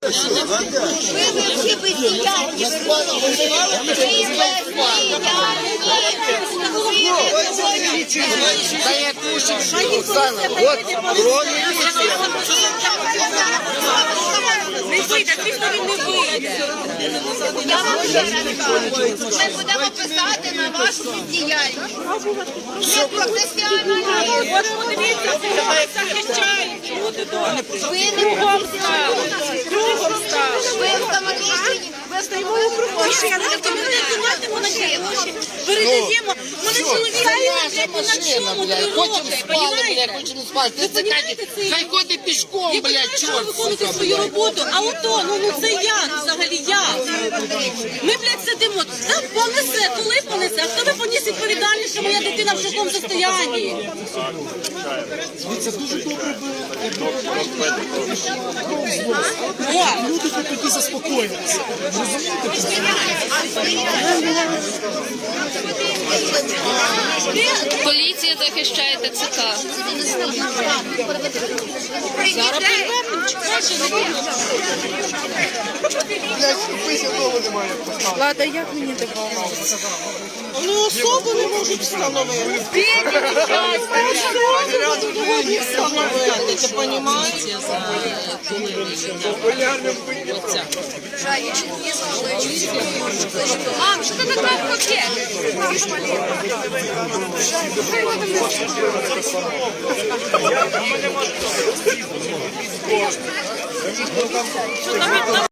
всі бездіяльні. Да я кушаю, Оксана, вот, Не вийде, звісно, він не вийде. Я вам ще раз кажу, ми будемо писати на вашу бездіяльність. Ми професіонали. От подивіться, кого захищають люди добре. Ви не Кругом стали. Кругом стали. ви встановлені. Ви Стоїмо у кругу. Тобто ми не зніматимо на гроші. Передаємо. Вони чоловіки блядь, ні на чому не роблять. Понімаєте? хочемо спати. Ти це хай ходить пішком, Я блядь, почала чорт. виконувати свою роботу, а ото, ну це я, взагалі я. Ми, блядь, сидимо, та понесе, коли понесе, а хто ви поніс відповідальність, що моя дитина в шоковому состоянні? Це дуже добре О, люди тоді заспокоїться. Поліція захищає ТЦК. Влада, як мені допомогти? вони особу не можуть встановити. Не встановити, ти розумієте? Мам, що ти така в пакет? Що там